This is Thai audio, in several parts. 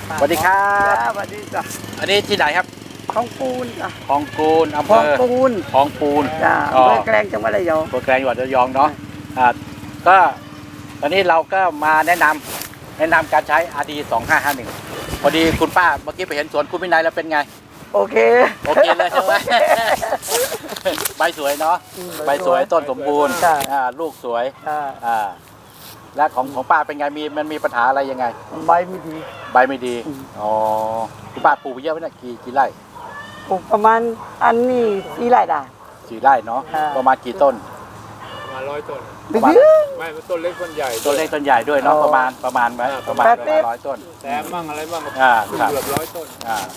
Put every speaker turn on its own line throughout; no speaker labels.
สวัสดีครับ
สวัสดีจ้ะ
อันนี้ที่ไหนครับ
ของปูนจ้ะ
คลองปูนอำเภอ
ของปูน
คลองปูน
จ้ะอำเภอแกลงจังหวัดระยอง
อำเภอแกลงจังหวัดระยองเนาะก็ตอนนี้เราก็มาแนะนำการใช้ RD 2551พอดีคุณป้าเมื่อกี้ไปเห็นสวนคุณวินัยแล้วเป็นไง
โอเค
เลยใช่ไหม ใบสวยเนาะใบสวยต้นสมบูรณ์ลูกสวยและของป้าเป็นไงมันมีปัญหาอะไรยังไง
ใบไม่ดี
อ๋อคุณป้าปลูกไปเยอะไหมเนี่ยกี่ไร่
ปลูกประมาณอันนี้4 ไร่ได้
4 ไร่เนาะประมาณกี่ต้น
ประมาณ100 ต้นไม่ต้นเล็กต้นใหญ่
ต้นเล็กต้นใหญ่ด้วยเนาะประมาณไหมประมาณ100 ต้น
แต่มั่งอะไรมั่งเกือบ100 ต้น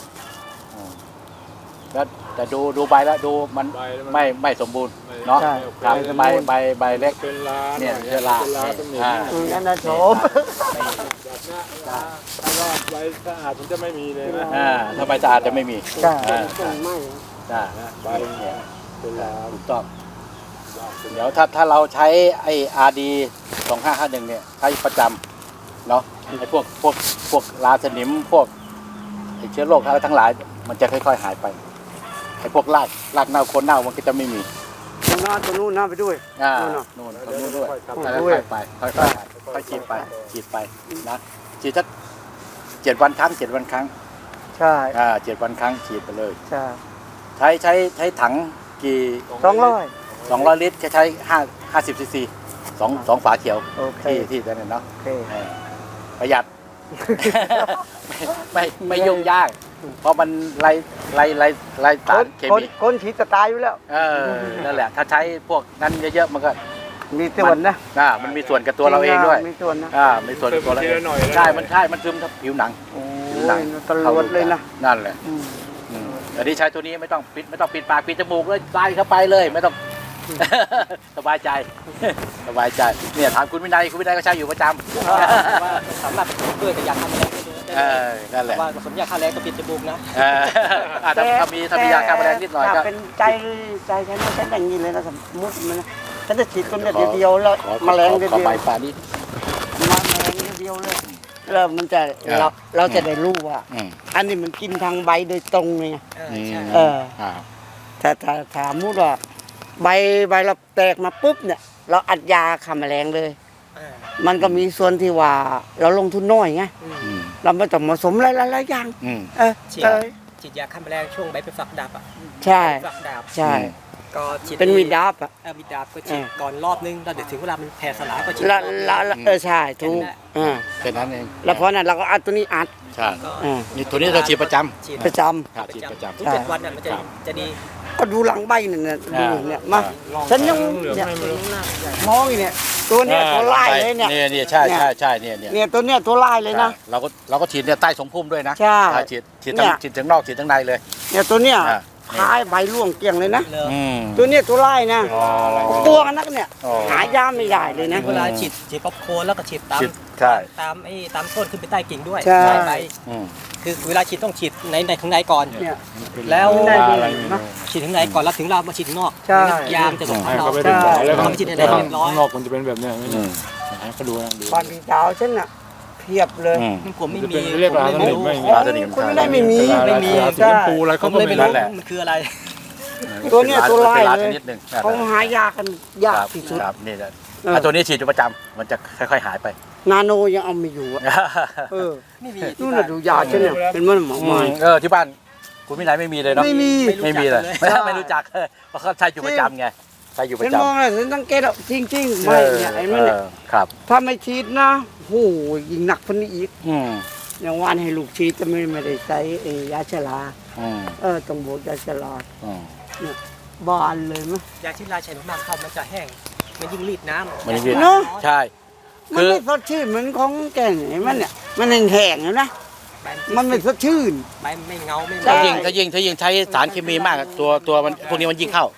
แล้วแต่ดูใบแล้วดูมันไม่สมบูรณ์เนาะใบเล็ก
เป็นลา
เนี่ยเชื้อรา
นั่นนะโฉม
ถ้ารอดใบสะอาดมันจะไม่มีเลยนะ
ถ้าใบสะอาดจะไม่มี
ไม่
ใบเนี่ยเป็นลาถูกต้องเดี๋ยวถ้าเราใช้ไอ้ RD 2551เนี่ยใช้ประจำเนาะไอ้พวกราสนิมพวกไอ้เชื้อโรคทั้งหลายมันจะค่อยๆหายไปไอ้พวกรากเน่าโคนเน่ามันก็จะไม่มี
ตัวนู้นไปด้วย
นู่นด้วยค่อยๆไปค่อยๆฉีดไปนะฉีดสัก7 วันครั้ง
ใช่
7 วันครั้งฉีดไปเลย
ใช่
ใช้ถังกี่200 ลิตรจะใช้50 ซีซี2 ฝาเขียวที่นั่นเนาะประหยัด ไม่ยุ่งยากเพราะมันไล่สารเคมี
คนฉีดจะตายอยู่แล้ว
นั่นแหละถ้าใช้พวกนั้นเยอะๆมันก็
มีส่วนนะ
มันมีส่วนกับตัวเราเองด้วย
มีส่วนนะ
มีส่วนกับตัวเราเองใช่มันซึมทับผิวหนัง
ตลอดเลยนะ
นั่นแหละแต่ที่ใช้ตัวนี้ไม่ต้องปิดปากปิดจมูกเลยใส่เข้าไปเลยไม่ต้องสบายใจเนี่ยถามคุณวินัยก็ใช้อยู่ประจำ
สำหรับเพื่อจะอยากทำอะไร
นั่นแหละ
ว่าสมยาฆ่าแรงก็ปิดจมูกนะ
ถ้ามียาฆ่าแมลงนิดหน่อยก็
เป็นใจฉันอย่างนี้เลยนะสมมติมันฉันจะฉีดต้นเดียวแล้วแมลงเดียว
ขอใบป่านี้
แมลงเดียวเลยแล้วมันจะเราจะได้รู้ว่าอันนี้มันกินทางใบโดยตรงเลยถ้ามุดว่าใบเราแตกมาปุ๊บเนี่ยเราอัดยาฆ่าแมลงเลยมันก็มีส่วนที่ว่าเราลงทุนน้อยไงเราไม่ต้องผสมหลายอย่าง
ฉีดยาฆ่าแมลงช่วงใบเป็นฝักดาบอ่ะ
ใช่
ก็ฉีด
เป็นมีดาบอ่ะ
มีดาบก็ฉีดก่อนรอบนึงแล้วเดี๋ยวถึงเวลามันแผ่สลายก็ฉีด
ใช่ถูก
แค่นั้นเอง
แล้วเพราะนั้นเราก็อัดตัวนี้อัด
ใช่นี่ตัวนี้เราฉีดประจำ
ฉีด
ประจ
ำทุก7 วันน่ะมันจะดี
ก็ดูหลังใบเนี่ยดูเนี่ยมาฉันยังมองอีเนี่ยตัวเนี้ยตัวลายเลยเนี่ย
ใช่
เนี่ยตัวเนี้ยตัวลายเลยนะ
เราก็ฉีดเนี่ยใต้สงพุ่มด้วยนะ
ใช่
ฉีดทั้งนอกฉีดทั้งในเลย
เนี่ยตัวเนี้ยพายใบร่วงเกลี้ยงเลยนะตัวเนี้ยตัวลายนะตัวกันนักเนี่ยหายาไม่ได้เลยนะ
เวลาฉีดป๊อปโคนแล้วก็ฉีดตามต้นขึ้นไปใต้กิ่งด้วยใบคือเวลาฉีดต้องฉีดในข้างในก่อนแล้วฉีดข้างในก่อนแล้วถึงเรามาฉีดข้างนอกยามจะส่งให้เรา
แล้วก็ฉีดในข้างนอกมันจะเป็นแบบนี้ก็ดู
บ้านพี่สาวฉันน่ะเพียบเลย
ผมไม่มี
เรียกว่า
คุณไม่มี
ใช่ปูอะไรเขาไม่
รู้มันคืออะไร
ตัวเนี้ยตัวลายเลยเขาหายากันยากที่สุด
นี่แหละตัวนี้ฉีดอยู่ประจำมันจะค่อยๆหายไป
นาโนยังเอาไม่อยู่
ไม่มี
นู่นน่ะดูยาฉันเนี่ยเป็นมันหมอมา
ที่บ้านคุณวินัยไม่มีเลยเนาะ
ไม่
มีเลยไม่รู้จักเพราะเขาใช้อยู่ประจำไงใช้อยู่ประจำ
ฉันมองเลยฉันสังเกตจริงไม่เนี่ยไอ้มันเนี่ยถ้าไม่ฉีดนะโหยิ่งหนักคนนี้อีกอย่างวันให้ลูกฉีดจะไม่ได้ใช้ยาชราต้องบวกยาชราเนี่ยบานเลยมั้ย
ยาชราใช้มากๆเข้ามันจะแห้งมันยิ่งรีดน้ำ
มันยิ่งรีดเนาะใช่
มันไม่สดชื่นเหมือนของแก่ไอ้มันเนี่ยมันแห้งๆนะมันไม่สดชื่น
ไม่เงาไม่
ถ้ายิ่งใช้สารเคมีมากตัวมันพวกนี้มันยิ่งเข้า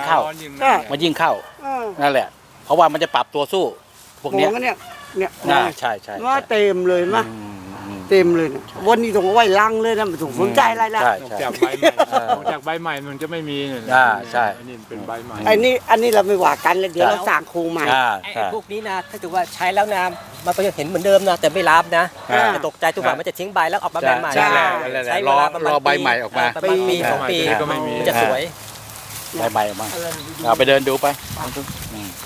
นั่นแหละเพราะว่ามันจะปรับตัวสู้พวกนี้ใช่
ว่าเต็มเลยมั้ยเต็มเลยวันนี้ต้องไว้ลังเลยนะไม่ต้องสนใจอะไรแล้ว
จากใบใหม่มันจะไม่มี
ใช่
อันนี้เป็นใบใหม่
อันนี้เราไม่ว่ากันแล้วเดี๋ยวเราสร้างโครงใหม่
พวกนี้นะถ้าถือว่าใช้แล้วน้มันก็ยังเห็นเหมือนเดิมนะแต่ไม่รับนะ
อ่า
จะตกใจตัวว่ามันจะทิ้งใบแล้วออกมาแบบใหม่
ใช่
ใช้เว
รอ
ลาประมาณ
รอใบใหม่ออกมา
ประมาณปีสองปี
ก็ไม่มี
มันจะสวย
ใบออกมาเอาไปเดินดูไปอืม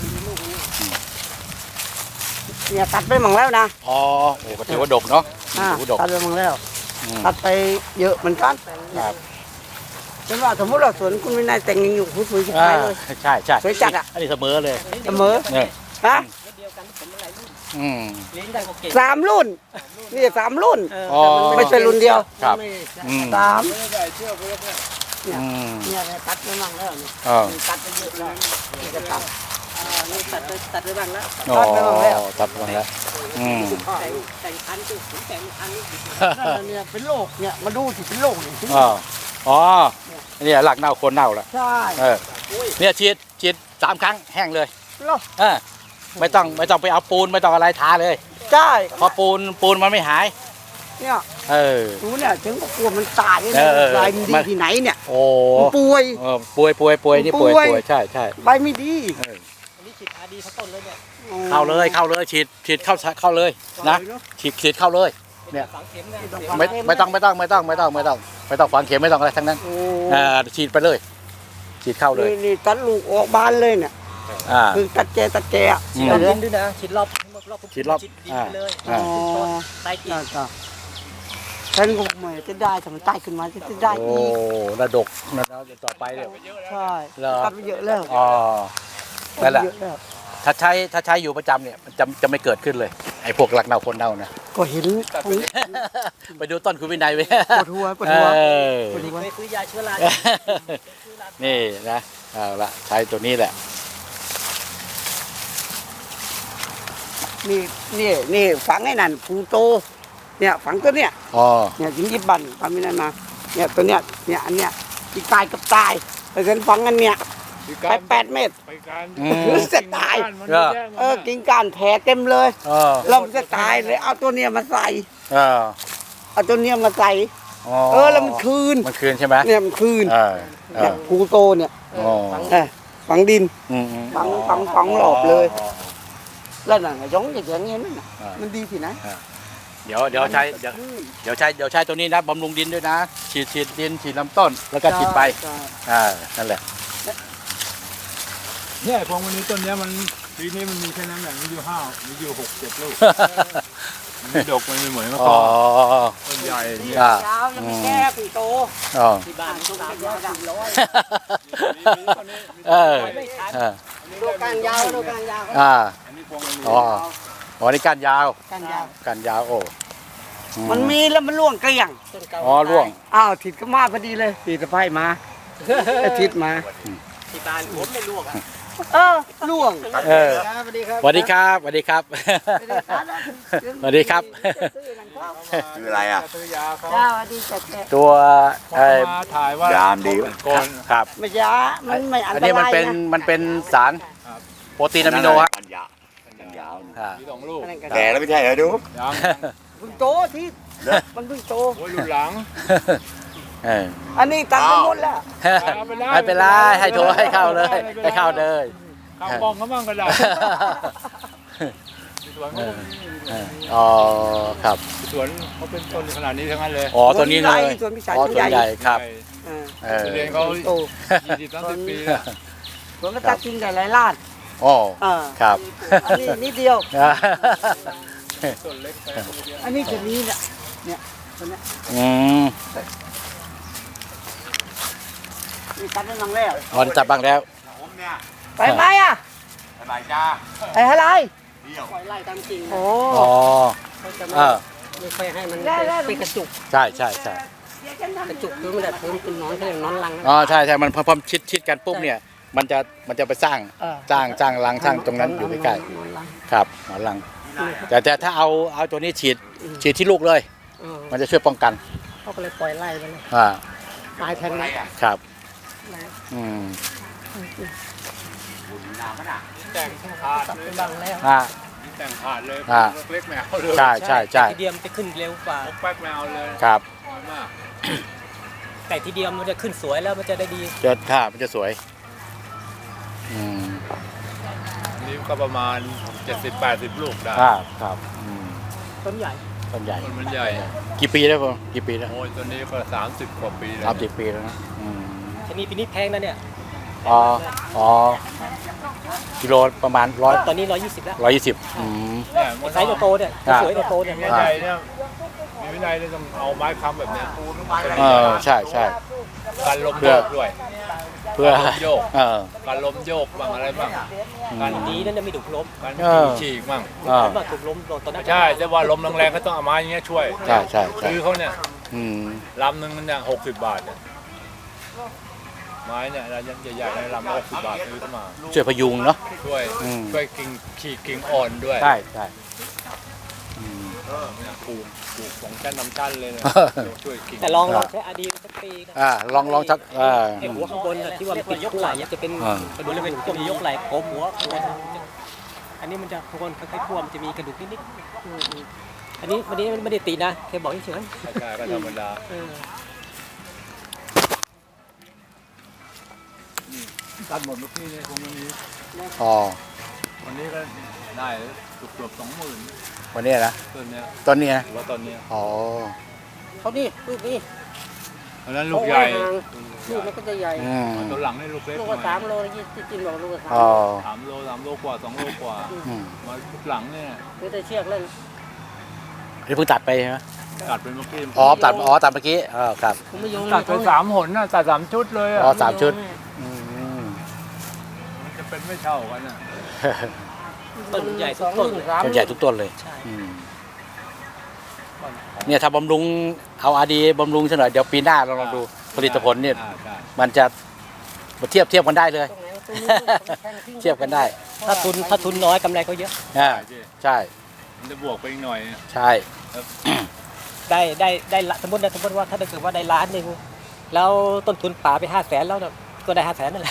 เนี่ยตัดไปมั่งแล้วนะ
อ๋อโอ้ก็ถือว่าดกเนาะ
อ่า
ถือว่าดก
ตัดไปมั่งแล้ว
อืม
ตัดไปเยอะเหมือนกัน
ครับ
ฉันว่าสมมติเราสวนคุณวินัยแต่งอยู่ผู้สวยจะ
อ่า
ขายเลย
ใช่ใช่
สวยจัดอะ
อันนี้เสมอเลย
เสมอ
เนี่ย
ฮะ
เดียวกันผมหลายรุ่น
อืม
เลี้ยงได้ก็เก่ง
3 รุ่นนี่3 รุ่น
อ๋อ
ไม่ใช่รุ่นเดียว
ครับอืม
3
อืม
เนี่ยตัดไปมั่งแล้วนี่
อ๋อ
ตัดไปเยอะแล้วนี่จะตัดนี่ตัดไปบ้างแล้ว
อ๋อ
ตัดไปบ้างแล้ว
ตัดไปแล้วอืม
แต่งพันธุ์คือผมแต่งพันธุ์
นั่นน่ะเนี่ยเป็นโรคเนี่ยมาดูสิเป็นโรคเนี่ย
อ๋ออ๋อเนี่ยหลักเน่าโคนเน่าแล้ว
ใช่
เออเนี่ยฉีด3 ครั้งแห้งเลย
โรค
ไม่ต้องไปเอาปูนไม่ต้องอะไรทาเลย
ใช่
เพอปูนมันไม่หาย
เนี่ย
เออ
ดูเนี่ยถึงก็กลัวมันตายเนี่ย
เออ
ใบมันดี
มัน
ที่ไหนเนี่ย
โอ้
มันป่วย
ป่วยนี่ป่วย
ป่วย
ใช่ใช่
ใบไม่ดี
เออ
อันนี้ฉีดอาดีเขาต้นเลยเนี่ย
เข้าเลยฉีดเข้าเลยนะฉีดเข้าเลย เนี่ย
ฝังเข็มเนี่ย
ไม่ต้องฝังเข็มไม่ต้องอะไรทั้งนั้น
โอ้
ฉีดไปเลย ฉีดเข้าเลย
นี่ตัดลูกออกบานเลยเนี่ย
อ่า
คือตัดแกอะ
อื
ฉีด
ม
รอบดินด้วยนะฉีดรอบ
ฉีดรอบ
ฉีดดินไปเลย
อ่า
อ๋อ
ต้นใต้กิ่ง
นั่นก็ฉันก็ไม่จะได้ทำไมใต้ขึ้นมาจะได้
โอ้
อีก
ระดกนะต่อไปเนี่ย
ใช่
เหรอ
ตัดไปเยอะแล้ว
อ๋อนั่นแหละ
เยอะแล้ว
ถ้าใช้อยู่ประจำเนี่ยมันจะไม่เกิดขึ้นเลยไอ้พวกหลักเน่าคนเน่านะ
ก็เห็น
ไปดูต้นคุณวินัยไป
ปวดหัวปวดหัว
เออ
ปวดหัว
ไม่ซื้อยาเชื้อรา
นี่นะเอาละใช้ตัวนี้แหละ
นี่ฝังไอ้นั่นภูโตเนี่ยฝังตัวเนี้ย
อ๋อ
เนี่ยยิงยิบบันทำไม่ได้มาเนี่ยตัวเนี้ยเนี่ยอันเนี้ยที่ตายกับตายแต่ฉันฝังอันเนี้ยไป8 เมตร
ไปการ
อืม
จะตาย กิ่งก้านแผลเต็มเลย
เออ
เราจะตายเลยเอาตัวเนี้ยมาใส่
เออ
เอาตัวเนี้ยมาใส่
อ๋อ
แล้วมันคืน
มันคืนใช่ไหม
เนี่ยมันคืน
เออเอ
เนี่ย
อ
ภูโตเนี่ย
อ๋อ
ฝังดิน
อืม
ฝังหลอบเลย แล้วนั่นน่ะgiốngอย่างเงี้ยนั่นน่ะมันดีที่ไหน
เดี๋ยวใช้ตัวนี้นะบำรุงดินด้วยนะ ฉีดดินฉีดลำต้นแล้วก็ฉีดไปนั่นแหละ
เนี่ยพวงวันนี้ต้นเนี้ยมันปีนี้มันมีแค่น้ำอย่างมีอยู่5มีอยู่6-7 ลูกมันไม่ดกมันไม่เหมือนเมื่อ
อ๋
ก่
อ
อนต้นใหญ่เนี่ย
อ่า
ยาวแล้วมันแก้ปีโต
อ๋อ
ที่บ้านต้อง300
เออ
ดูการยาวดูการยาว
อ่า
อันนี้พวงมันมี
อ๋ออ๋อนี่ก้านยาว
การยาว
ก้านยาวโอ้
มันมีแล้วมันล่วงเกลี้ยง
ต้นเก่า
อ๋อร่วง
อ้าวถิดก็มาพอดีเลยถิดสะพายมาไอ้ถิดมา
ที่บ้านผมไม่ลวกอ่ะ
ล่วง
เออ สวัสดีครับสวัสดีครับสวัสดีครับ
คืออะไรอ่ะ
ซื้อยาเขา
จ้าสวัสดีจ้าแก
ตัว
มาถ่ายว่าย
ามดีวะ
ก่อน
ครับ
ไม่ยามันไม่อัน
อัน
ต
นี้มัน
ราย
เป็น
นะ
มันเป็นสารโปรตีนอะมิโนครับ
กันยาวกันยาว
อ่า
มี2 ลูก
อันนั้นก็
แก่แล้วไม่ใช่เหรอดู
ยัง
เพิ่งโตที่มันเพิ่งโต
โอ้ยรุ่นหลัง
เออ
อันนี้ตัดไปหมดแล้ว
ไม่เป็นไรให้โทรให้เข้าเลยให้เข้าเลย
ข้าวกล้องเขาบ้างก็ได้สวนเขา
อ๋อครับ
สวนเขาเป็นต้นขนาดนี้ทั้งนั้นเลย
อ๋อตัวนี้เลย
ส่วนพิสัย
อ๋อ
ส่วน
ตัว
ใหญ่
ใหญ่ครับ
เออ
เออ
เรียนเขา
โต
20-30 ปีอะ
ส่วนก็ตัดจริงแต่หลายล้าน
อ๋อ
เออ
ครับ
อันนี้นิดเดียว
ต้นเล็กไป
อันนี้จะนี้เนี่ยตัวเนี้ย
อืม
นี่ตัดได้นังแล้ว
อ๋อจับบ้างแล้ว
ผมเนี่ย
ไปไหมอ่ะ
สบายจ้า
ไปอะไร
เดี่ยว
ปล่อยไล่ตามกิ่ง
โอ้
อ๋อ
เขาจะ
เออ
ไม่ค่อยให้มัน
ได้ได้
เป็นกระจุก
ใช่ใช่ใช่
กระจุกคือมันแบบเป็นนอนเขาเรียกนอนรังนะ
อ๋อใช่ใช่มันพอชิดกันปุ๊บเนี่ยมันจะไปสร้างรังสร้างตรงนั้นอยู่ใกล้
นอนรัง
ๆครับหมอนรัง แต่ถ้าเอาตัวนี้ฉีดที่ลูกเลย มันจะช่วยป้องกัน
เขาก็เลยปล่อยไล่ไปเลย
อ่า
ตายแทนไหม
ครับอืม
แต่งขาด
ตัด
เล
ไป
ย
บ้างแล้ว
อ่า
แต่งขาดเลย
อ่า
เล็กแมวเลย
ใช่ใช่ใช่
ไก่ทีเดียวมันจะขึ้นเร็วกว่า
แป๊กแมวเลย
ครับ
มาก
ไก่ทีเดียวมันจะขึ้นสวยแล้วมันจะได้ดี
มันจะสวยอืม
นี้ก็ประมาณ 70-80 ลูกได้
ครับ
ต้นใหญ่
ต้นใหญ่
ต้นมันใหญ่
กี่ปีแล้วผมกี่ปีแล้ว
โอ้ยตัวนี้ก็30 กว่าปีแล้ว
30 ปีแล้วนะ
ชนีปีนี้แพงนะเนี่ย
อ๋อกิโลประมาณ
ตอนนี้120แล้ว
120
เนี่ย
ไซส์โตๆเนี่ยสวยโตๆเนี่ย
มีวินัยเนี่ยมีวินัยเนี่ยต้องเอาไม้ค้ำแบบเนี้ย
ใช่
การลมโยกด้วย
เพื่อ
การลมโยก
เ
การลมโยกบ้างอะไรบ้าง
การดีนั่นไม่ถูกล้ม
การฉีกบ้าง
มาถูกล้มตอนนั้น
ใช่แต่ว่าลมแรงๆก็ต้องเอาไม้อย่างเงี้ยช่วย
ใช่
ซื้อเขาเนี่ย
อืม
ลำหนึ่งมันเนี่ย60 บาทเนี่ยไม้เนี่ยระยะใหญ่ๆในลำละ60 บาทซื้อเข้ามา
ช่วยพยุงเนาะ
ช่วยกิ่งฉีกกิ่งอ่อนด้วย
ใช่
เนี่ยปลูกของชั้นนำชั้นเลยเนี่ยช่วยกิ่ง
แต่ลองใช้อาดีสักปีนะ
ลองชัก
ไอ้หัวข้างบนที่ว่ามันเป็นยกไหล่จะเป็นบริเวณพวกยกไหล่โกมหัวข้างบนอันนี้มันจะข้างบนคล้ายๆพวงมันจะมีกระดูกนิดๆอันนี้วันนี้ไม่ได้ตีนะแค่บอกเฉย
ใช่ก็ธรรมดาตัดหมดเมื่อกี้เนี่ยคงไม่มี วันนี้ก็ได้เกือบ20,000
วันนี้นะ
ต้นเนี้ย
ต้นนี้นะ
ว่าต้นเนี้ย
เขานี่ลูกนี่
อันนั้นลูกใหญ่
ลูกมันก็จะใหญ่
ต้นหลังนี่ลูกเล็ก
ลูก
หน่
ก็
อย
3 โลกินบอกลูกก็
3 โลกว่า2 โลกว่ามาลูกหลังเนี่ย
คือแต่เชือกเล่น
นี่เพิ่งตัดไปใช่ไหม
ตัดเป็นเมื่อกี้
ตัดเมื่อกี้ครับ
ผมไม่ยง
ตัดไป3 หนน่ะตัด3 ชุดเลยอ่ะ
3 ชุด
มันจะเป็นไม่เท่ากันอ่ะ
ๆต้นใหญ่ทุกต้น
ต้นใหญ่ทุกต้นเลย
ใช่
เนี่ยถ้าบำรุงเอาอาดีบำรุงซะหน่อยเดี๋ยวปีหน้าเราลองดูผลิตผลเนี่ย
ใช่
มันจะเทียบกันได้เลย เทียบกันได้
ถ้าทุนน้อยกำไรก็เยอะ
ใช่
มันจะบวกไปอีกหน่อย
ใช่
ได้สมมติว่าถ้าเกิดว่าได้ล้านหนึ่งแล้วต้นทุนป่าไป500,000แล้วก็ได้500,000นั่นแหละ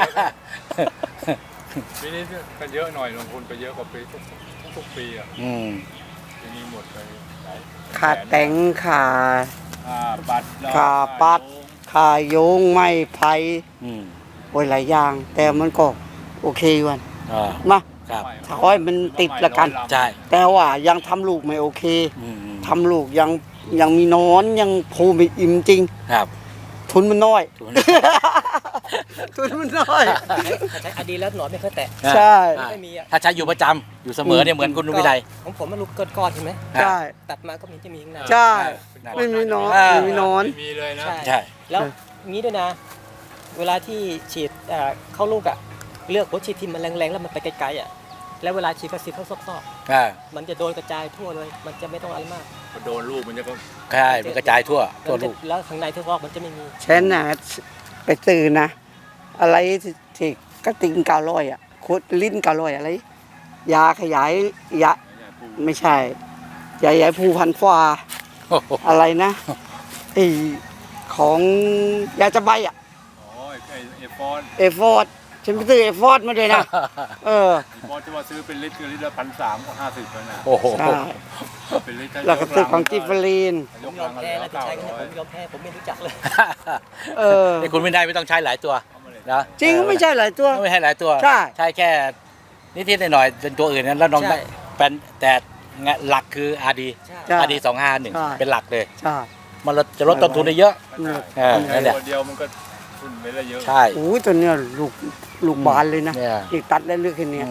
ปีนี้ก็เยอะหน่อยลงทุนไปเยอะกว่าปีทุกปีอ่ะปีนี้หมดไปหลาย
ขาแต่งขา
ปัด
ขาปัดขาโยงไม้ไผ่โอ้ยหลายอย่าง แต่มันก็โอเควันมาถ้าค่อยมันติดละกัน
ใช่
แต่ว่ายังทำลูกไม่โอเคทำลูกยังมีนอนยังภูไม่อิ่มจริง
ครับ
ทุนมันน้อย ทุนมันน้อย
ใช้อดีแล้วหนอนไม่เคยแตะ
ใช่
ไม่มีอ่ะ
ถ้าใช้อยู่ประจำอยู่เสมอเนี่ยเหมือนคุณวิไล
ของผมมันลูกก้อนๆใช่ไหม
ใช่
ตัดมาก็จะมีข้างใน
ใช่ไม่มีนอนไม่มีนอน
ไม่มีเลยนะ
ใช่
แล้วงี้ด้วยนะ เวลาที่ฉีดเข้าลูกอ่ะเลือกหัวฉีดที่มันแรงๆแล้วมันไปไกลๆอ่ะแล้วเวลาฉีดก็ฉีดเข้าซอกๆมันจะโดนกระจายทั่วเลยมันจะไม่ต้องอะไรมาก
พอโดนลูกมันจะก็
ใช่มันกระจายทั่วลูก
แล้วข้างในที่ซอกมันจะไม่มี
ฉันน่ะไปซื้อนะ อะไรที่กระติง900อ่ะโคตรลิ้น900อะไรยาขยายยาไม่ใช่ยาขยายภูพันฟ้าอะไรนะไอของยาจะใบอ่ะ
โอ้ยไอ้ฟอน
เอฟอร์ดฉันไปซื้อเอฟอร์ดมาเลยนะ
ฟอนที่ว่าซื้อเป็นลิตรคือลิตรละ1,350แล้วนะ
โอ้โห
ใช่
เป็นลิตร
แล้วก็ซื้อของจิฟลีน
ผมยอมแพ้นะที่ใช้กันเนี่ยผมยอมแพ้ผมไม่รู้จักเลย
ไอ้คุณวิไลไม่ต้องใช้หลายตัวนะ
จริงไม่ใช่หลายตัว
ไม่ให้หลายตัว
ใช่
ใช่แค่นิดๆหน่อยๆเป็นตัวอื่นนั้นแล้วน้องเป็นแต่หลักคืออาดี
ใช่
อาดี251เป็นหลักเลย
ใช่
มันจะลดต้นทุนได้เยอะ นั่นแหละ
ตัวเดียวมันก็ทุนไปได้เยอะ
ใช่
โอ้ยตัวเนี้ยลูกบานเลยนะ
เนี่ย
อีกตัดได้เลือกแค่เนี้ย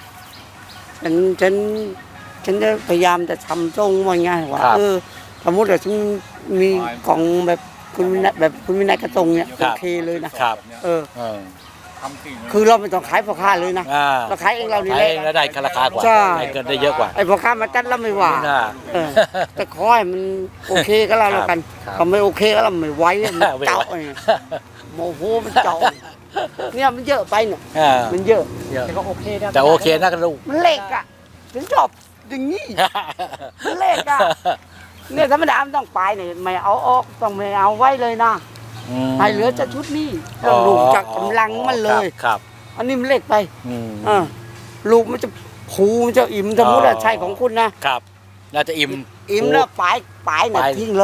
ฉันจะพยายามจะทำทรงว่าง่ายว่าสมมติว่าฉันมีของแบบคุณวินัยแบบคุณวินัยกระทรงเนี่ยโอเคเลยนะครับ
ทำกิ่ง
คือเราไม่ต้องขายพ่อค้าเลยนะเราขายเองเรานี่แหละ
แล้วได้ราคากว่า
ใช่
ได้เกินได้เยอะกว่า
ไอ้พ่อค้ามาจัดแล้วไม่ว่าแต่ขอให้มันโอเคก็แล้วกันถ้าไม่โอเคก็เราไม่ไหวมันเจาะโมโหมันเจาะเนี่ยมันเยอะไปเนี่ยมันเยอะ
แต่ก็โอเคนะ
แต่โอเคนะลูก
มันเล็กอ่ะฉันชอบอย่างนี้มันเล็กอ่ะเนี่ยธรรมดามันต้องไปเนี่ยไม่เอาออกต้องไม่เอาไว้เลยนะให้เหลือจะชุดนี้ลูกจากกำลังมันเลย
ครับ
อันนี้มันเล็กไปลูกมันจะผูมันจะอิ่มสมมติว่าใช่ของคุณนะครับ
น่าจะอิ่ม
แล้วปลายเนี่ยทิ้งเลย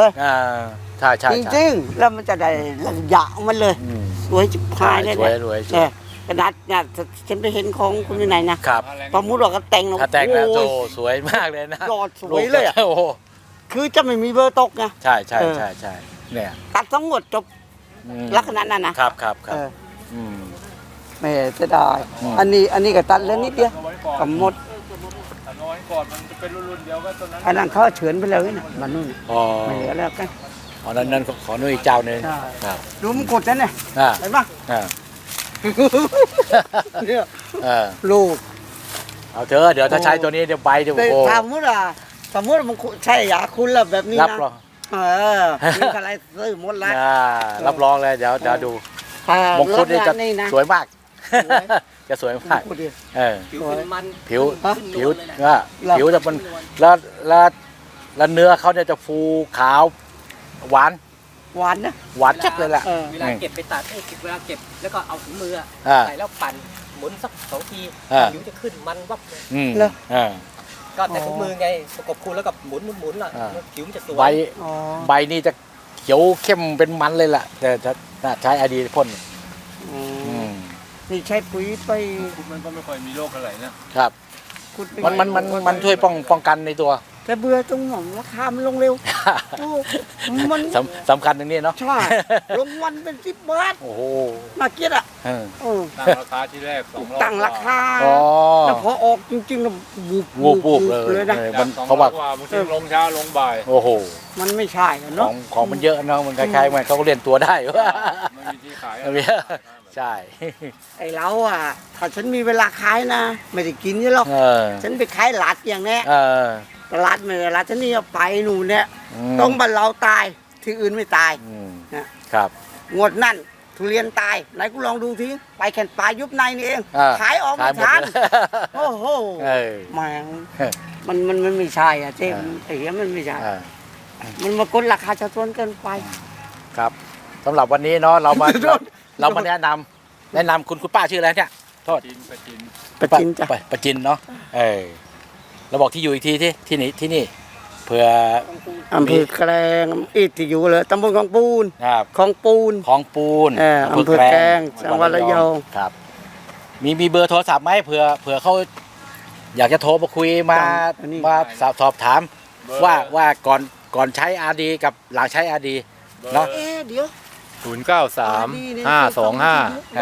ใช่ใช่
จริงๆแล้วมันจะได้ระยะมันเลยสวยจิบพายเลย
สวย
เนี่ยกระดาษเนี่ยฉันไปเห็นของคุณวินัยนะครับ ประมุดว่าก็แต่ง
ถ้าแต่งแล้ว
โอ้
โต
ย
สวยมากเลยนะ
ยอดสวยเลยอะ
โอ้โห
คือจะไม่มีเบอร์ตกไง
ใช่ใช่ใช่ใช่เนี่ย
ตัดทั้งหมดจบ
อืม
ลักษณะนั้นนะครับ
ครับครับ
เออ
อืม
แม่จะได้
อืม
อันนี้ก็ตัดแล้วนิดเดียว
เอาไว้ก่อน
กับหมด
เอาไว้ก่อนมันจะเป็นรุ่นๆเดียวก็ตอนนั้น
อันนั้นเขาเฉือนไปเลยนะมันนู่น
อ๋อ
ไม่เหลือแล้วกัน
อ๋อนั้นขอหนุ่ยอีกเจ้าหนึง
ใช่
ครับ
ดูมันกดนั่นเนี่ย
อ่า
เห็นปะ
อ่า
เนี่ย
เออ
ลูก
เอาเถอะเดี๋ยวถ้าใช้ตัวนี้เดี๋ยวใบเดี๋ยว
แต่
โอ้โห
สมมติมันใช่ยาคุณละแบบนี้
รับ
นะ
รอง
มีอะไรซื้อหมดละ
รับรองเลยเดี๋ยวดู
ถ้าม
งคุดนี่จะ
นี่นะ
สวยมาก
สวย
จะสวย
ม
มาก
งคุดดิ
เออ
ผิวเป็นมัน
ผิว
ฮะ
ผิว
ขึ้นนวลเลยนะ
ว่า
หรอ
ผิวจะมันแล้วเนื้อเขาเนี่ยจะฟูขาวหวาน
หวานนะ
หวานจัดเลยแหละ
เออ
เวลาเก็บไปตัดเวลาเก็บแล้วก็เอาถุงมืออะ
อ่า
ใส่แล้วปั่นหมุนสัก2 ที
อ่า
ผิวจะขึ้นมันวับเลย
อืม
เหรอ
อ่า
ก็แต่ถุงมือไงประกบคูณแล้วก็หมุนล่ะ
อ่า
ผิวมันจะสวย
ใบ
อ๋อ
ใบนี่จะเขียวเข้มเป็นมันเลยล่ะ แต่ถ้าใช้อดีพ่น
อื
อื
ม
ม
นี่ใช้ปุ๋ยไป
คุณมันก็ไม่ค่อยมีโรคอะไรนะครับ
ขุดไป
มันช่วยป้องกันในตัว
แต่เบื่อตรงหน่อมราคามันลงเร็วโอ้มัน
สำคัญตรงนี้เนาะ
ใช่ลงวันเป็น10 บาท
โอ้โห
น่าเกลียดอ่ะ
เออ
เออ
ตั้งราคาที่แรก200
ตั้งราคา
อ๋อ
แล้วพอออกจริงๆแล้วบูบ
วูบเลย
เลยนะ
มัน
เพ
เพราะ
ราะ
ว่า
ว่าบางทีลงเช้าลงบ่าย
โอ้โห
มันไม่ใช่อะ
ขอ
เนาะ
งมันเยอะเนาะมันคล้ายๆมันเขาก็เรียนตัวได้
ไม่มีที่ขาย
เอาเนี้ยใช่
ไอ้เราอ่ะถ้าฉันมีเวลาขายนะ ไม่ได้กินนี่หรอก
เออ
ฉันไปขายหลัดอย่างเนี้ย
เออ
ตลาดไม่ได้หลัดฉันนี่เอาไปหนูเนี่ย
ม
ต้องบ้านเราตายที่อื่นไม่ตาย
อืม
นะ
ครับ
งวดนั่นทุเรียนตายไหนกูลองดูทีไปแข่นปลายยุบในนี่เอง
อ่า
ขายออก
ขา
ไม่
ยหมด
ทัน
เลย
โอ้โห
เออ
แม่ง
เออ
มันไม่ใช่อ่ะเจ๊
อ่า
ไอ้เหี้ยมันไม่ใช่
อ่า
มันมากดราคาชาวสวนเกินไป
ครับสำหรับวันนี้เนาะเรามาแนะนำคุณป้าชื่ออะไรเนี่ยโทษ
กินไปกิน
ประจินจ้ะ
ประจินเนาะเออเราบอกที่อยู่อีกทีที่นี่เผื่อ
อำเภอแกลงอีกที่อยู่เลยตำบลของปูน
ครับ
ของปูน
ของปูน
อำเภอแกลงจังหวัดระยอง
ครับ มีเบอร์โทรศัพท์ไหมเผื่อเขาอยากจะโทรมาคุยมาสอบถามว่าก่อนใช้อาดีกับหลังใช้อาดีเนาะ
เดี๋ยว
093 525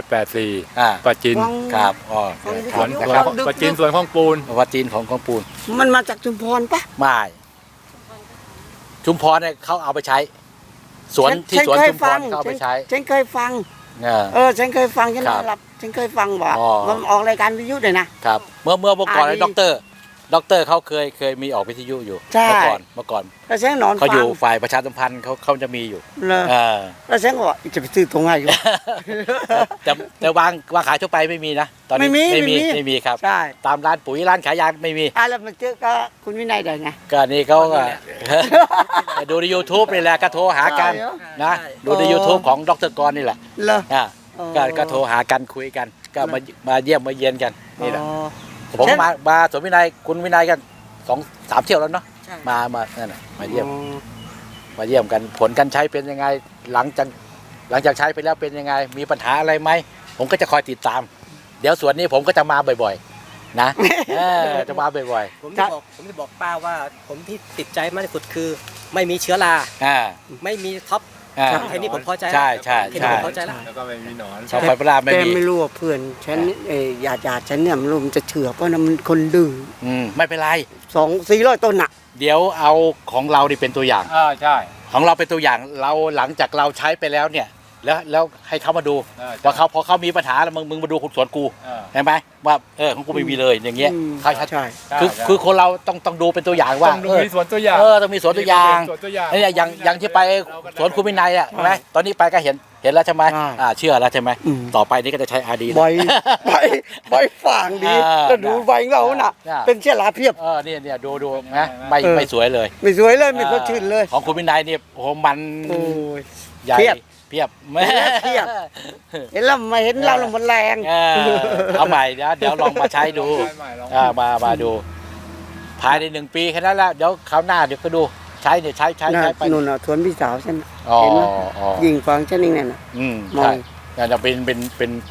1884
อ่า
ปะจิน
วัง
ครับอ๋อ
ฟัง
ครับ
ดู
นะครับ
ปะจินสวนของปูน
วัดจีนของปูน
มันมาจากชุมพรปะ
ไม่ชุมพรเนี่ยเขาเอาไปใช้ สวนที่สวนชุมพรเขาเอาไปใช้
ฉันเคยฟัง
เออ
ฉันเคยฟังฉัน
ครับ
นอนหลับฉันเคยฟังว่า
อ๋อ
มันออกรายการวิทยุเลยนะครับ
เมื่อก่อน
อาดี
ด็อกเตอร์เขาเคยมีออกวิทยุอยู่
ใช่
เมื่อก่อน
แล้วฉันนอน
เขา
ฟั
อยู่ฝ่ายประชาสัมพันธ์เขาจะมีอยู่
เลย
เออ
แล้วฉันก็บอกจะไปซื้อตรงไหนอยู่
แต่วางขายทั่วไปไม่มีนะตอนนี้ ไม่มีครับ
ใช่
ตามร้านปุ๋ยร้านขายยาไม่มี
แล้วมันเจอก็คุณวินัยได้ไง
ก็นี่เขาก็ ดูใน YouTube นี่แหละก็โทรหากัน
ใช่เหรอ
นะดูใน YouTube ของดรกรนี่แหละ
เหรอ
อ่ะ
อ๋อ
ก็โทรหากันคุยกัน ก็มาเยี่ยมมาเยียนกันนี่แหละ
อ๋อ
ผมมาสวนวินัยคุณวินัยกัน2-3 เที่ยวแล้วเนาะ
ใช่
มานั่นน่ะมาเยี่ยมกันผลการใช้เป็นยังไงหลังจากใช้ไปแล้วเป็นยังไง มีปัญหาอะไรไหมผมก็จะคอยติดตาม เดี๋ยวสวนนี้ผมก็จะมาบ่อยๆ นะจะมาบ่อย
ผมจะบอกป้าว่าผมที่ติดใจมากที่สุดคือ ไม่มีเชื้อรา
ๆ
ไม่มีท็อป แค่นี้ผมพอใจแล้ว
ใช่
แค่นี้ผมพอใจแล้ว
แล้วก็ไม่มีหนอน
ชอบไฟปลาไม่
แต่
มี
ไม่รู้ว่าเพื่อนฉันญาติฉันเนี่ยไม่รู้มันจะเชื่อเพราะนะมันคนดื้อ
ไม่เป็นไร
400 ต้นน่ะ
เดี๋ยวเอาของเรานี่เป็นตัวอย่าง
ใช่
ของเราเป็นตัวอย่างเราหลังจากเราใช้ไปแล้วเนี่ย แล้วให้เขามาดูว่าพอเขามีปัญหาแล้วมึงมาดูสวนกูเห็นไหมว่าของกูไม่มีเลยอย่างเงี้ย
อืม
เขาชัด
ใช่
คือคนเราต้องดูเป็นตัวอย่างว่า
ต้องมีสวนตัวอย่าง
ต้องมีสวนตัวอย่าง
สวนตัวอย่าง
เนี่ยอย่างที่ไปสวนคุณวินัยอ่ะใช่ไหมตอนนี้ไปก็เห็นแล้วใช่ไหมเชื่อแล้วใช่ไหม
อืม
ต่อไปนี่ก็จะใช้อาดี
ใบฝางดี
อ่า
แล้วดูใบของเราน่ะ
อ่า
เป็นเชื้อราเพียบ
เนี่ยดูนะไม่สวยเลย
ไม่สวยเลยไม่สดชื่นเลย
ของคุณวินัยเนี่ยโอ้โหมัน
โอ้ย
ใหญ่
เพียบ
เพียบ
เพียบ เห็นแล้วมาเห็นเราแล้วมันแรง
เอาใหม่เดี๋ยวลองมาใช้ดู มาดู ภายใน1 ปีแค่นั้นแหละเดี๋ยวคราวหน้าเดี๋ยวก็ดูใช้เนี่ยใช้
น่ะ
ไป
นู่นน่ะสวนพี่สาวฉัน
อ๋อ
เห็นไหม
อ๋อ
ยิงฟังฉันเองนั่นน่ะ
อืม
มอง
ใช่จะเป็น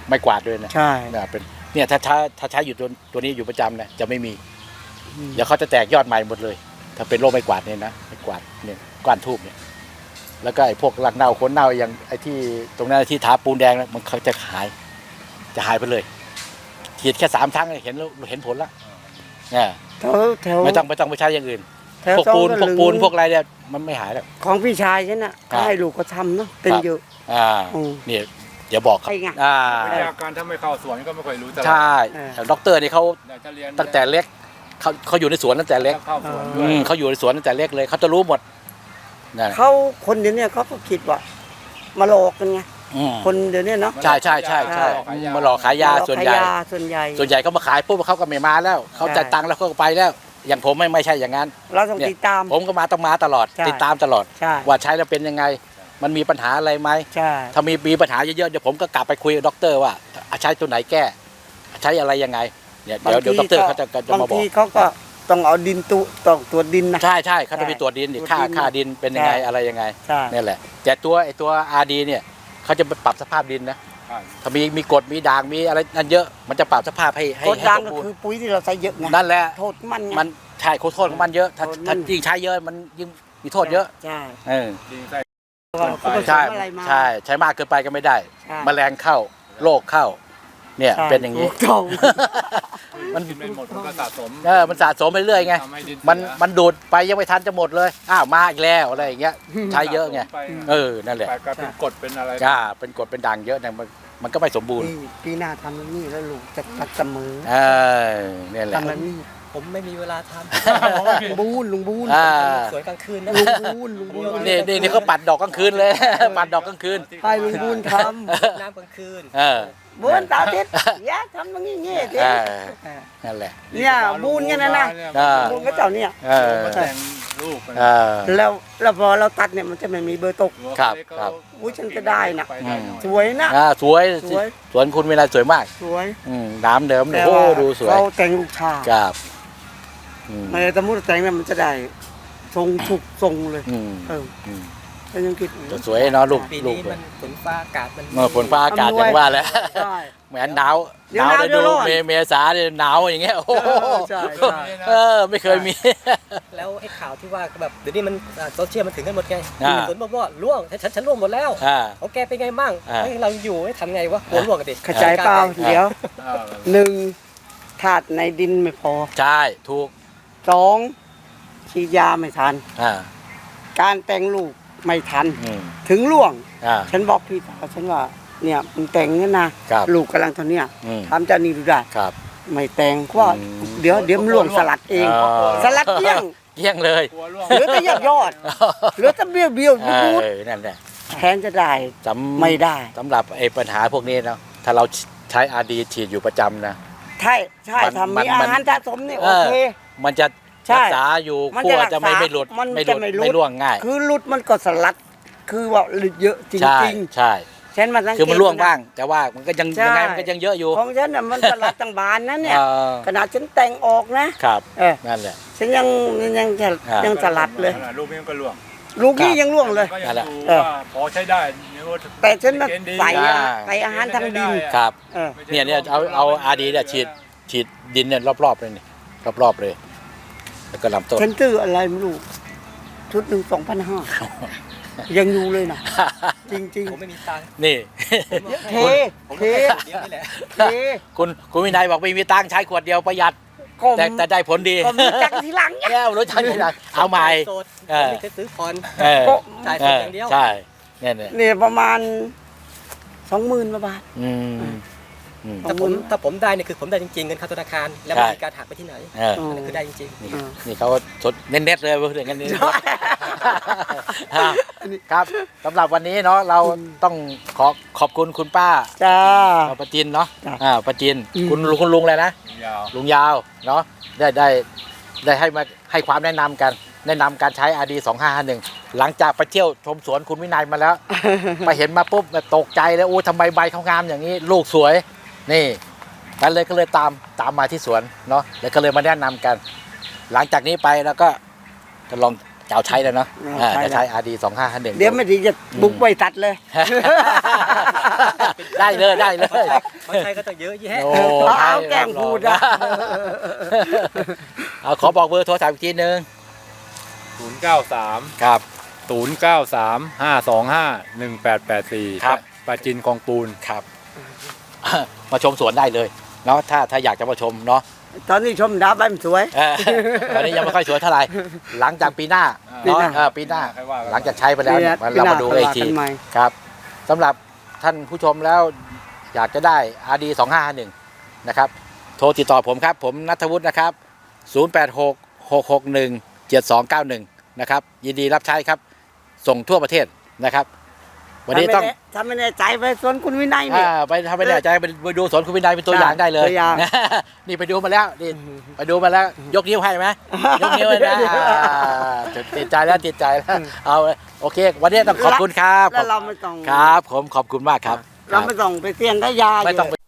ไม่กวาดด้วยนะ
ใช่
เนี่ยเป็นเนี่ยถ้าใช้อยู่ตัวนี้อยู่ประจำนะจะไม่มีเดี๋ยวเขาจะแตกยอดใหม่หมดเลย ถ้าเป็นโรคไม่กวาดเนี่ยนะไม่กวาดเนี่ยก้านทูบเนี่ยแล้วก็ไอ้พวกรากเน่าโคนเน่าอย่างไอ้ที่ตรงนั้นที่ทาปูนแดงนะมันเขาจะหายไปเลยฉีดแค่3 ครั้งเห็นผลแล้วเนี่ย
แถว
ไม่ต้องไปใช้อย่างอื่น
แถว
พวก
ซอง
ปูน
ก็
พวก
ลึง
พวกอะไรเนี่ยมันไม่หายแล้ว
ของพี่ชายฉันน่ะ
ครับ
ก็ให้ลูกเขาทำเนาะเป็นเยอะ
อืมเนี่ยเดี๋ยวบอกครับ
ใช่ไง
วิทยาการถ้าไม่เข้าสวนก็ไม่ค่อยรู้ตลาด
ใช่ด็อกเตอร์นี่เขา
อยากจะเรียน
ตั้งแต่เล็กเขาอยู่ในสวนตั้งแต่เล็ก
เข้าสวนด้วย
เขาอยู่ในสวนตั้งแต่เล็กเลยเขาจะรู้หมดนั่น
เขาคนเดี๋ยวนี้เขาก็คิดว่ามาหลอกกันไง
อืม
คนเดี๋ยวนี้เนาะ
ใช่มาหลอกขายยาส่วนใหญ่
ขายยาส่วนใหญ่
เขามาขายปุ๊บเขาก็ไม่มาแล้วเขาจ่ายตังค์แล้วเขาก็ไปแล้ว อย่างผมไม่ใช่อย่างนั้น
เราต้องติดตาม
ผมก็ต้องมาตลอด
ใช่
ติดตามตลอด
ใช่
ว่าใช้แล้วเป็นยังไง มันมีปัญหาอะไรไหม
ใช่
ถ้ามีปัญหาเยอะๆเดี๋ยวผมก็กลับไปคุยกับด็อกเตอร์ว่าใช้ตัวไหนแก้ ใช้อะไรยังไงเนี่ยเดี๋ยวด็อกเตอร์เขาจะ
บาง
มาบอก
ทีเขาก็ต้องเอาดินต้องตรวจดินนะ
ใช่เขาจะมีตรวจดินดิ
ตรวจ
ค่า
ดิน
ค่าดินเป็นยังไง
ใช่
อะไรยังไง
ใช่
นี่แหละแต่ตัวอาร์ดีเนี่ยเขาจะไปปรับสภาพดินนะ
ใช่
ถ้ามีกรดมีด่างมีอะไรนั่นเยอะ มันจะปรับสภาพให้
โคตรดัง
สม
ก็
บูร
คือ
ณ์
ปุ๋ยที่เราใช้เยอะไง
นั่นแหละ
โทษมันไง
มันใช่โทษของมันเยอะถ้า
โทษมัน
ถ้ายิ่งใช้เยอะมันยิ่งมีโทษเยอะ
ใช่
เออ
ดินใส่
ว่าเขาผส
ใช่
มอะไรมา
ใช้มากเกินไปก็ไม่ได้
ใช่
แมลงเข้าโรคเข้า เนี่ย
ใช่
เป็นอย่างนี้
ถูกต้อง
มัน
ดินไม่หมดมันก็สะสม
มันสะสมไปเรื่อยไง
ทำให้ดินเสีย
มันดูดไปยังไม่ทันจะหมดเลยอ้าวมาอีกแล้วอะไรอย่างเงี้ยใช้เยอะไง
สสมป
นั่นแหละ
ไปก็เป็นกรดเป็นอะไร
เป็นกรดเป็นด่างเยอะเนี่ยมันก็ไม่สมบูรณ์
ปีหน้าทำแบบนี้แล้วลูกจะตัดเสมอ
เนี่ยแหละ
ทำแบบนี้
ผมไม่มีเวลาท
ลุงบูน
อ่า
ำสวนกลางคืนนะ
ลุงบูน
นี่เขาปัดดอกกลางคืนเลย ปัดดอกกลางคืน
ให้ลุงบูนท
น้ำกลางคืน
ำบูนตาทิศอย่าทำอย่างนี้เงี้ยเด็
นั่นแหละ
เนี่ยบูนกันนะ
อ่า
บูนก็เจ้าเนี่ย
มาแต่งรูปกัน
แล้วพอเราตัดเนี่ยมันจะไม่มีเบอร์ตก
ครับ
อุ๊ยฉันจะได้นะ
ไปได้หน่อย
สวยนะ
สวย
สวย
สวนคุณเวลาสวยมาก
สวย
น้ำเดิม
แต่
โอ้
ว่า
ดูสวย
เขาแต่งลูกชา
ครับ
ไม่สมมติแต่งเนี่ยมันจะได้ทรงถูกทรงเลย
ม
ก็ยังคิด
สวยเนาะลูก
ปี
ลูก
นี้มันฝนฟ้าอากาศมัน
ฝนฟ้าอากาศอย่างว่าแหละ
ใช่
เหมือนหนาว
เดี๋ยวหนาว
เลย
เดี๋
ดู
ยวร้อน
เมษาเนี่ยหนาวอย่างเงี้ยโอ้โห
ใช่ใช่
ไม่เคยมี
แล้วไอ้ข่าวที่ว่าแบบเดี๋ยวนี้มันโซเชียลมันถึงกันหมดไง
อ่า
สวนบอกว่าล่วงฉันล่วงหมดแล้ว ของแกเป็นไงมั่ง
อ่า
เฮ้ยเราอยู่ให้ทำไงวะกลัวล่วงกันดิ
เข้าใจเปล่าเดี๋ยว
เออ
หนึ่งธาตุในดินไม่พอ
ใช่ถูก
สองฉีดยาไม่ทัน
อ่า
การแต่งลูกไม่ทัน
อืม
ถึงล่วง
อ่า
ฉันบอกพี่สาวฉันว่าเนี่ยมึงแต่งเนี่ยนะครับ ลูกกำลังเท่าเนี้ย
อืม
ทำเจ้านี่ดูได้
ครับ
ไม่แต่งเพราะว่า
อืม
เดี๋ยวมันล่วงสลัดเอง สลัดเกลี้ยง
เกลี้ยงเลย
กลัวร่วง
เหลือแต่ยอดเหลือแต่เบี้ยวบูด
นั่นแหละ
แทนจะได้ ไม่ได้
สำหรับไอ้ปัญหาพวกนี้เนาะถ้าเราใช้อาดีฉีดอยู่ประจำนะ
ใช่ใช่
มัน
ทำ
มั
มี
น
อาหารสะสมนี่โอเค
มันจะ
ใช่
รักษาอยู่
มัน
ขั้
จะ
ว
รักษา
จะไม่หลุด
มัน
ไม่ห
จะ
ลุด
ไม่หลุด
ไม่ร่วงง่าย
คือหลุดมันก็สลัด คือว่าหลุดเยอะจ
ใช่
ริง
ใช่
ๆฉันมาสังเกต
คือมันร่วงบ้าง แต่ว่ามันก็ยัง
ใช่
ยังไงมันก็ยังเยอะอยู่
ของฉันน่ะมันสลัดต่างบานนะเนี่ย
เออ
ขนาดฉันแต่งออกนะครับ
นั่นแหละ
ฉันยังจะ
อ่ายั
ยังสลัดเลย
รูปนี้มันก็ร่วง
ลูกนี่ยังร่วงเลย
ก็
นั่
ยัง
นแหละ
ดู
เออ
ว่าพอใช้ได้เนี่ยว่า
แต่ฉันมา
เกณฑ์ดี
ใส่
อ่า
ใส่อาหารทางดิน
ครับ
เออ
เนี่ยเอาอาดีเนี่ยฉีดดินเนี่ยรอบๆเลยนี่รอบๆเลย แล้วก็ลำต้น
ฉันซื้ออะไรไม่รู้ชุดหนึ่ง2,500ยังอยู่เลยนะจริง
ผมไม่มีตังค์
นี่
ๆเท
ผม
เท
ก็แค่เดียวนี่แหละ
เท
คุณวินัยบอกไม่มีตังค์ใช้ขวดเดียวประหยัด
ก็
แต่ได้ผลดี
ก็มีจักทีหลังเนี่ย
แก้วรถใช้ทีหลังเอาใหม่
โสด
เออ
ผมไม่เคยซื้อผ่อน
เออ
จ่ายสดอย่างเดียว
ใช่เนี่ย
เนี่ยประมาณ 20,000 กว่าบาท
อืม
ถ้าผมได้เนี่ยคือผมได้จริงๆเงินเข้าธนาคารแล้ว
ใช่
ไม่มีการหักไปที่ไหน
เออ
อันนั้นคือได้จริง
นี่เขาสดเน็ตๆเลยเพื่อนกันนี่ครับสำหรับวันนี้เนาะเราต้องขอบคุณคุณป้า
จ้า
ป้าจินเนาะ
จ้ะ
ป้าจิน
อืม
คุณลุงอะไรนะ
ยาว
ลุงยาวเนาะได้ให้ความแนะนำการใช้ RD 2551หลังจากไปเที่ยวชมสวนคุณวินัยมาแล้ว ไปเห็นมาปุ๊บแบบตกใจเลยโอ้ทำไมใบเขางามอย่างนี้ ลูกสวย นี่ก็เลยตามมาที่สวนเนาะแล้วก็เลยมาแนะนำกัน หลังจากนี้ไปแล้วก็จะลองจะเอาใช้แล้วเนาะ
ใช้แล้ว
จะใช้ RD 2551
เดี๋ยวไม่ดีจะบุกไปตัดเลย
ๆ
ได้เลยได้เลย
คนไทยก็ต้องเยอะแยะ
โอ้
เอาแกล้งพูดอะ
เอาขอบอกเบอร์โทรศัพท์อีกทีนึง
093
ครับ
093 525 1884
ครับ
ปราจินคลองปูน
ครับ มาชมสวนได้เลยเนาะถ้าอยากจะมาชมเนาะ
ตอนนี้ชมดาวใบมันสวย
ตอนนี้ยังไม่ค่อยสวยเท่าไหร่หลังจากปีหน้า
ปีหน้า
เนาะปีหน้า
ค่อยว่ากัน
หลังจากใช้ไปแล้วเนี่ย
ปีหน้า
เรามาดูอีกที
ปีหน้าค่อยว่ากันใหม่
ครับสำหรับท่านผู้ชมแล้วอยากจะได้ RD 2551นะครับโทรติดต่อผมครับผมณัฐวุฒินะครับ0866617291นะครับยินดีรับใช้ครับส่งทั่วประเทศนะครับ วันนี้ต้อง
ถ้าไม่แน่ใจไปสวนคุณวินัยเนี่ย
ไปทำไม่แน่ใจไปดูสวนคุณวินัยเป็นตัวอย่างได้เลย
ตัวอย่าง
นี่ไปดูมาแล้วนี่ไปดูมาแล้วยกนิ้วให้ไหมยกนิ้วให้นะติดใจแล้วเอาโอเค วันนี้ต้องขอบคุณครับ
แล้วเราไม่ต้อง
ครับผมขอบคุณมากครับ
เราไม่ต้องไปเสี่ยงได้ยา
ไม่ต้อง
ยู่